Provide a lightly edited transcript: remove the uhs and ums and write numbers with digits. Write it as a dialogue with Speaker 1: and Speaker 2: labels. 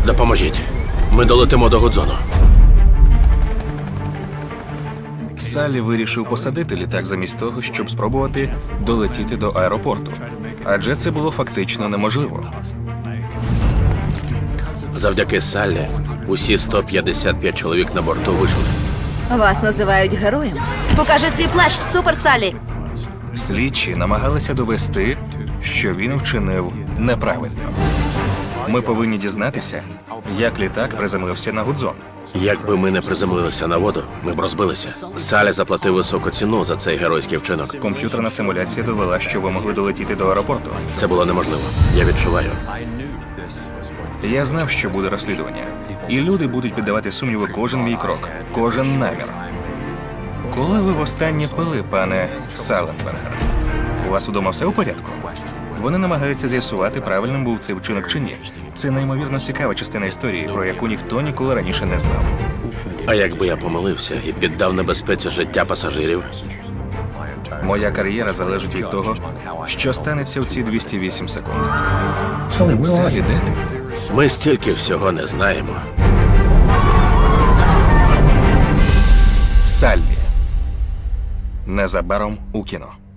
Speaker 1: Допоможіть. Ми долетимо до Гудзону.
Speaker 2: Саллі вирішив посадити літак замість того, щоб спробувати долетіти до аеропорту. Адже це було фактично неможливо.
Speaker 1: Завдяки Саллі усі 155 чоловік на борту вижили.
Speaker 3: Вас називають героєм. Покажи свій плащ, Супер Саллі!
Speaker 2: Слідчі намагалися довести, що він вчинив неправильно. Ми повинні дізнатися, як літак приземлився на Гудзон.
Speaker 1: Якби ми не приземлилися на воду, ми б розбилися. Саллі заплатив високу ціну за цей геройський вчинок.
Speaker 2: Комп'ютерна симуляція довела, що ви могли долетіти до аеропорту.
Speaker 1: Це було неможливо. Я відчуваю.
Speaker 2: Я знав, що буде розслідування. І люди будуть піддавати сумніву кожен мій крок, кожен намір. Коли ви востаннє пили, пане Саленбергер? У вас удома все у порядку? Вони намагаються з'ясувати, правильним був цей вчинок чи ні. Це неймовірно цікава частина історії, про яку ніхто ніколи раніше не знав.
Speaker 1: А якби я помилився і піддав небезпеці життя пасажирів?
Speaker 2: Моя кар'єра залежить від того, що станеться в ці 208 секунд. Саллі, де ти?
Speaker 1: Ми стільки всього не знаємо.
Speaker 2: Саллі. Незабаром у кіно.